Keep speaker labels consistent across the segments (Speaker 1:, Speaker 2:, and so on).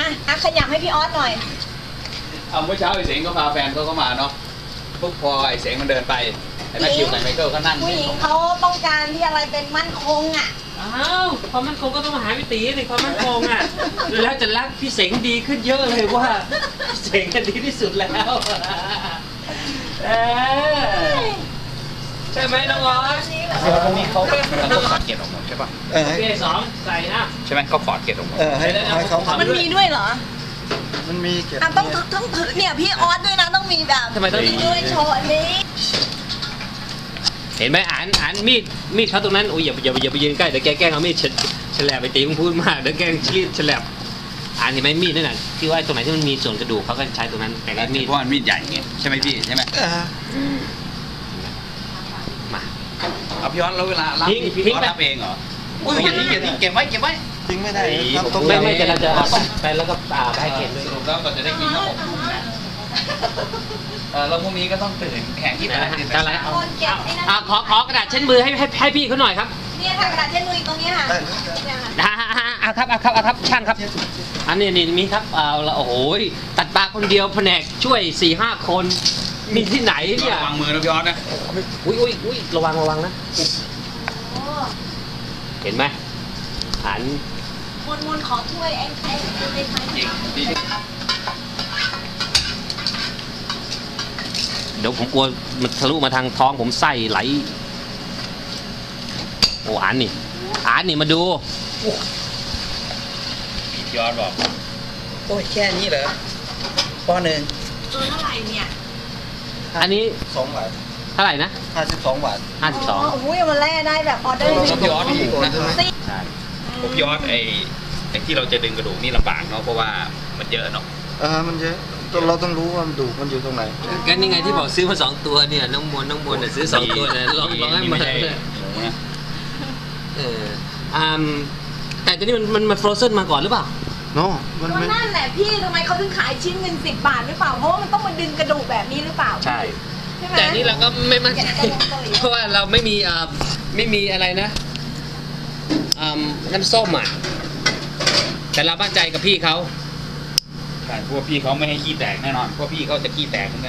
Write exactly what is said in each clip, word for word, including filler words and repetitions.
Speaker 1: อ่ะขยับให้พี่ออสหน่อย
Speaker 2: เอาเมื่อเช้าไอ้เสงก็พาแฟนเขาเข้ามาเนาะปุ๊บพอไอ้เสงมันเดินไปไอ้แมคคิวกับไมเคิลก็นั่ง
Speaker 1: ผู้หญิงเขาต้องการที่อะไรเป็นมั่นคงอ่ะ
Speaker 3: อ้าวความมั่นคงก็ต้องมาหาพี่ตีสิความมั่นคงอ่ะแล้วจะรักพี่เสงดีขึ้นเยอะเลยว่าพี่เสงกันดีที่สุดแล้วใช่ไหมน้องออส
Speaker 2: พวกนี้เขาเขาขอดเกล็ดออกหมดใช่ป่ะ
Speaker 3: โอเคสองใส่นะ
Speaker 2: ใช่ไหมเขาขอดเกล็ดออกหมด
Speaker 4: เออให้ให้เขา
Speaker 1: มันมีด้วยเหรอ
Speaker 4: มันมีเกล็ด
Speaker 1: ต้องต้องถือเนี่ยพี่ออสด้วยนะต้องมีแบบ
Speaker 3: ทำไมต้อง
Speaker 1: ด้วยโชว์อันนี้
Speaker 3: เห็นไหมอ่านอ่านมีดมีดเขาตรงนั้นโอ้ยอย่าอย่าอย่าไปยืนใกล้เดี๋ยวแกแกล้งเอามีดฉลบไปตีมึงพูดมากเดี๋ยวแกล้งชี้ฉลบอ่านเห็นไหมมีดนั่นน่ะที่ว่าตรงไหนที่มันมีส่วนกระดูกเขาก็ใช้ตรงนั้นแต่ก็มีด
Speaker 2: เพราะมันมีดใหญ่ไงใช่ไหมพี่ใช่ไหม
Speaker 3: มา
Speaker 2: เอาพี่ออสแล้วเวลารับพี่ออสรับเองเหรออุ้ยอย่าทิ้งอย่าทิ้งเก็บไว้เก็บไว้
Speaker 4: ทิ้งไม่ได้
Speaker 3: ไม่ไม่จะเราจะไปแล้วก็อ่าไปให้เก็บด้วย
Speaker 2: สรุปแล้วก็จะได้กินทั้งหมดนะเออแล้วพรุ่งนี้ก็ต้องตื่นแข่งที่ไหน
Speaker 3: อะไรอ่าขอขอกระดาษเช็ดมือให้ให้ให้พี่เขาหน่อยครับ
Speaker 1: เนี่ยค่ะกระดาษเช็ดมือตรงนี้ค่ะ
Speaker 3: อ่าครับอ่าครับอ่าครับช่างครับอันนี้นี่มีครับเอาละโอ้โหตัดปลาคนเดียวแผนกช่วยสี่ห้าคนมีที่ไหนเนี่ยว
Speaker 2: างมือนะพี่ออสนะ
Speaker 3: อุ้ยอุ้ยอุ้ยระวังระวังนะเห็นไหมหัน
Speaker 1: มนมนขอถ้วยไอ้ไอ้ไอ้ไม้
Speaker 3: เดี๋ยวผมกลัวมันทะลุมาทางท้องผมไส้ไหลโอ้อ่านนี่อ่านนี่มาดู
Speaker 2: พี่ออสบอก
Speaker 4: โอ้ยแค่นี้เหรอปอหนึ่ง
Speaker 1: ตัวเท่าไหร่เนี่ย
Speaker 3: อันนี้
Speaker 4: สองบาท
Speaker 3: เท่าไหร่นะ
Speaker 4: ห้าสิบสองบาท
Speaker 3: ห้าสิบสอง
Speaker 1: โอ้ยมันแล่ได้แบบออเดอร์
Speaker 2: พี่ออสถูกนะใช่พี่ออสไอ้ไอ้ที่เราจะดึงกระดูกนี่ลำบากเนาะเพราะว่ามันเยอะเนาะ
Speaker 4: เออมันเยอะเราต้องรู้ว่ามันดูมันอยู่ตรงไหน
Speaker 3: กันยังไงที่บอกซื้อมาสองตัวเนี่ยน้องมวลน้องมวลเนี่ยซื้อสองตัวเนี่ยลองลองให้มาเอออ่าแต่ตัวนี้มันมันมันฟรอเซนมาก่อนหรือเปล่า
Speaker 4: โน่
Speaker 1: มันนั่นแหละพี่ทำไมเขาถึงขายชิ้นเงินสิบบาทหรือเปล่าเพราะว่ามันต้องมาดึงกระดูกแบบนี้หรือเปล่า
Speaker 3: ใช่แต่นี่เราก็ไม่มั่นใจเพราะว่าเราไม่มีอ่าไม่มีอะไรนะอ่าน้ำส้มอ่ะแต่เรามั่นใจกับพี่เขา
Speaker 2: ใช่พวกพี่เขาไม่ให้ขี้แตกแน่นอนพวกพี่เขาจะขี้แตกเหมือนกัน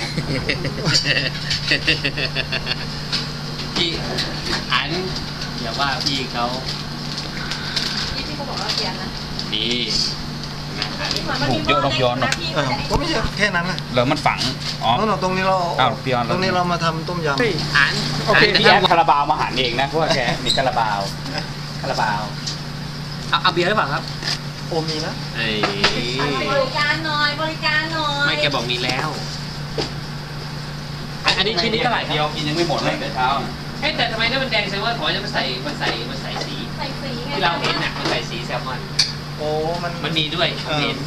Speaker 3: พี่อันอย่าว่าพี่เขา
Speaker 1: พี่พี่เขาบอกว่าเปลี่ยนนะ
Speaker 3: นี่
Speaker 2: ถูกเยอะรอบย้อนเนาะ
Speaker 4: ก็ไม่ใช่แค่นั้นนะ
Speaker 2: แล้วมันฝังอ๋อ
Speaker 4: ตรงนี้เรา
Speaker 2: อ้าวพี่ออน
Speaker 4: ตรงนี้เรามาทำต้มยำ
Speaker 3: อัน
Speaker 2: โอเคพี่แอดคาราบาวมาหั่นเองนะเพราะว่าแกมีคาราบาวคาราบาว
Speaker 3: เอาเอาเบียร์หรือเปล่าครับ
Speaker 4: โอมีนะ
Speaker 3: ไอ้
Speaker 1: บริการหน่อยบริการหน่อย
Speaker 3: ไม่แกบอกมีแล้วอันนี้ชิ้นนี้เท่าไหร่
Speaker 2: เดียวกินยังไม่หมดเลยแต่เช้า
Speaker 3: เฮ้แต่ทำไมถ้ามันแดงแสดงว่าขอจะมาใส่มาใส่มาใส่สี
Speaker 1: ใส่สี
Speaker 3: ที่เราเห็นน่ะมันใส่สีแซลมอน
Speaker 4: โอ้มัน
Speaker 3: มันมีด้วยเห็น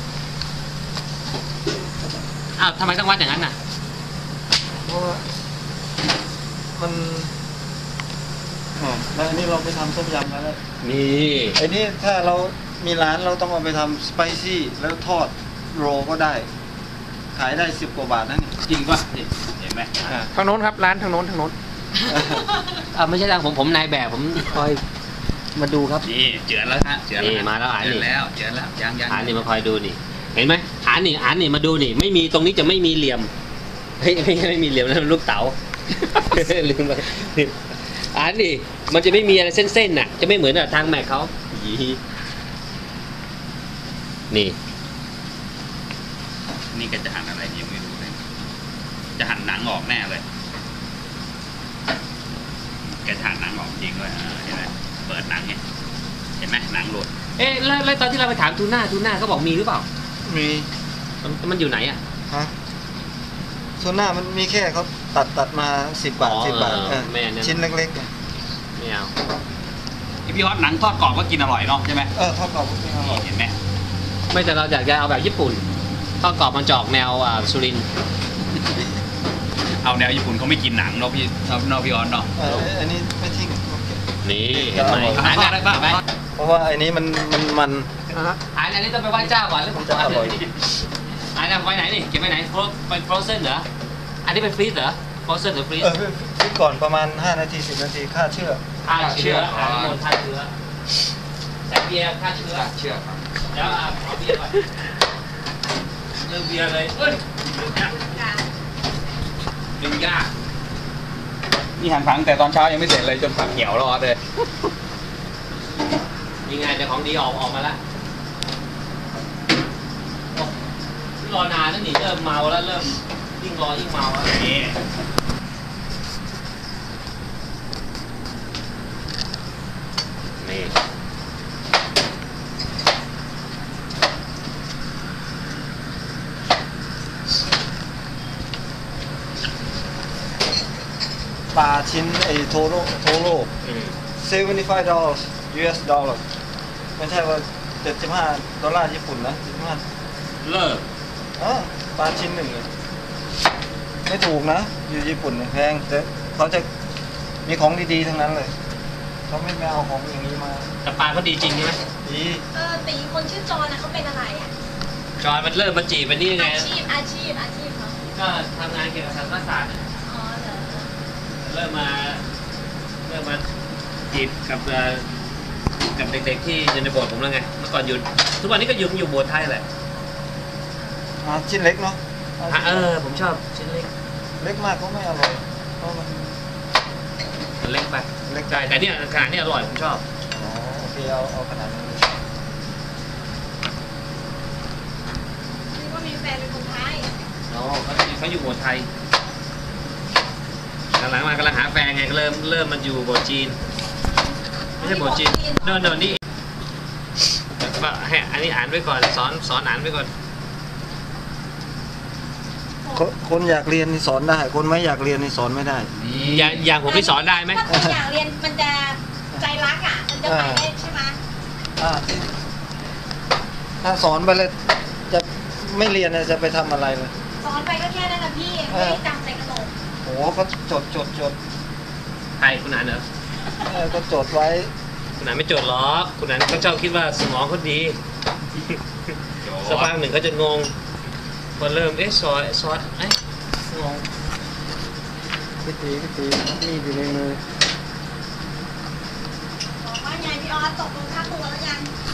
Speaker 3: อ้าวทำไมต้องวัดอย่างนั้นน่ะ
Speaker 4: เพราะมันอ๋อแล้วอันนี้เราไปทำต้มยำกันแล้ว
Speaker 3: นี่
Speaker 4: ไอ้นี่ถ้าเรามีร้านเราต้องเอาไปทำสไปซี่แล้วทอดโรก็ได้ขายได้สิบกว่าบาทนั่น
Speaker 2: จริงป่ะเห็นไหม
Speaker 5: ทางโน้นครับร้านทางโน้นทางโน้น
Speaker 3: อ่าไม่ใช่ทางผมผมนายแบบผมคอยมาดูครับ
Speaker 2: นี่เจือนแล้วฮะเจือน
Speaker 3: นี่มาแล้วอ่านนี่
Speaker 2: แล้วเจือนแล้วยังยัง
Speaker 3: อ่านนี่มาคอยดูนี่เห็นไหมอ่านนี่อ่านนี่มาดูนี่ไม่มีตรงนี้จะไม่มีเหลี่ยมไม่ไม่ไม่มีเหลี่ยมนะลูกเต๋าลืมไปอ่านนี่มันจะไม่มีอะไรเส้นๆน่ะจะไม่เหมือนกับทางแม็กเขานี่
Speaker 2: นี่ก็จะหั่นอะไรยังไม่รู้เลยจะหั่นหนังออกแน่เลยแกจะหั่นหนังออกจริงด้วยเห็นไหมเปิดหนังเนี่ยเห็นไหมหนังหลุด
Speaker 3: เอ๊ะแล้วตอนที่เราไปถามทูน่าทูน่าเขาบอกมีหรือเปล่า
Speaker 4: มี
Speaker 3: มันอยู่ไหนอ่ะ
Speaker 4: ฮะทูน่ามันมีแค่เขาตัดตัดมาสิบบาทสิบบาทชิ้นเล็กๆ
Speaker 3: ไม่เอา
Speaker 2: พี่ฮอตหนังทอดกรอบก็กินอร่อยเนาะใช่ไหม
Speaker 4: เออทอดกรอบก็กินอร่อย
Speaker 2: เห็นไหม
Speaker 3: ไม่แต่เราอยากจะเอาแบบญี่ปุ่นทอดกรอบมันจอกแนวสุรินทร์
Speaker 2: เอาแนวญี่ปุ่นเขาไม่กินหนังเนาะพี่เนาะพี่ออนเนาะ
Speaker 4: อันนี้ไม่ทิ้ง
Speaker 3: นี่เห็นไหม
Speaker 2: หายได้ป่ะไหม
Speaker 4: เพราะว่าอันนี้มันมันมัน
Speaker 3: อันนี้ต้องไปไหว้เจ้าก่อนแล้วผมจะอร่อยอันนี้ไว้ไหนนี่เก็บไว้ไหนเป็นฟรอเซนเหรออันนี้เป็นฟรีซเหรอฟรอเซนหรือฟรีซ
Speaker 4: ฟรีซก่อนประมาณห้านาทีสิบนาทีฆ่าเชื้อ
Speaker 3: ฆ่าเชื้อฆ่าเชื้อใส่เบียร์ฆ่าเชื้อ
Speaker 2: เชื้อ
Speaker 3: เดี๋ยวเอาเอาเบียร์ก่อนเริ่มเบียร์เลยเอ้ยดึงยากดึงยาก
Speaker 2: นี่หั่นผังแต่ตอนเช้ายังไม่เสร็จเลยจนผักเหี่ยวแล้วออสเลย
Speaker 3: ยังไงแต่ของดีออกออกมาแล้วโอ้รอนานแล้วนี่เริ่มเมาแล้วเริ่มยิ่งรอยิ่งเมาแล้วนี่นี่
Speaker 4: ปลาชิ้นไอ้โทโร่โทโร่
Speaker 3: อืม
Speaker 4: seventy-five dollars ยู เอส dollar ไม่ใช่ว่าเจ็ดสิบห้าดอลลาร์ญี่ปุ่นนะเจ็ดสิบห้า
Speaker 3: เลิก
Speaker 4: อ๋อปลาชิ้นหนึ่งเลยไม่ถูกนะ อยู่ญี่ปุ่นเนี่ยแพงแต่เขาจะมีของดีๆทั้งนั้นเลยเขาไม่ไม่เอาของอย่างนี้มา
Speaker 3: แต่ปลาเขาดีจริงใช่ไหม
Speaker 4: ดี
Speaker 1: เออตีคนชื่อจอนนะเขาเป็นอะไรอ่ะ
Speaker 3: จอยมันเริ่มมาจีบมันนี่ยังไง
Speaker 1: อาชีพอาชีพอาชีพเขา
Speaker 3: ก็ทำงานเกี่ยวกับทางศาสตร์
Speaker 1: อ๋อเหรอ
Speaker 3: เริ่มมาเริ่มมาจีบกับเอ่อกับเด็กๆที่อยู่ในโบสถ์ผมแล้วไงเมื่อก่อนอยู่ทุกวันนี้ก็อยู่อยู่โบสถ์ไทยแหละ
Speaker 4: อ่าชิ้นเล็กเนาะ
Speaker 3: อ่ะเออผมชอบชิ้นเล็ก
Speaker 4: เล็กมากก็ไม่อร่อยเพราะมัน
Speaker 3: มันเล็กไป
Speaker 4: เล็ก
Speaker 3: ใช่แต่เนี่ยขนาดนี้อร่อยผมชอบ
Speaker 4: อ๋อโอเคเอาเอาขนาดนี้
Speaker 1: นี่ว่ามีแฟนเป็นคนไทย
Speaker 3: อ๋อเขาเขาอยู่โบสถ์ไทยหลังๆมากำลังหาแฟนไงก็เริ่มเริ่มมันอยู่โบสถ์จีนไม่ใช่โบสถ์จีนโน่นโน่นนี่ก็ให้อันนี้อ่านไว้ก่อนสอนสอนอ่านไว้ก่อน
Speaker 4: คนคนอยากเรียนนี่สอนได้ คนไม่อยากเรียนนี่สอนไม่ได้
Speaker 3: อย่างอย่างผมที่สอนได้ไหม
Speaker 1: ถ้าคนอยากเรียนมันจะใจรักอ่ะ มันจะไปได้ใช่ไหม
Speaker 4: อ่าถ้าสอนไปเลยจะไม่เรียนเนี่ยจะไปทำอะไรเลย
Speaker 1: สอนไปก็แค่นั้นนะพี่ไม่ได้จำใส่กระโหลก
Speaker 4: โอ้ก็จดจดจด
Speaker 3: ใครคุณอ่านเหรอ
Speaker 4: เออก็จดไว้
Speaker 3: คุณอ่านไม่จดหรอกคุณอ่านก็ชอบคิดว่าสมองเขาดีสักพักหนึ่งก็จะงงพอเริ่มเอ๊ะซอยซอสเอ๊ะงง
Speaker 4: พี่ตีพี่ตีมีดอยู่ในมือ
Speaker 1: บอกว่าไงพี่ออสตกลงค่าตัวแล้วยัง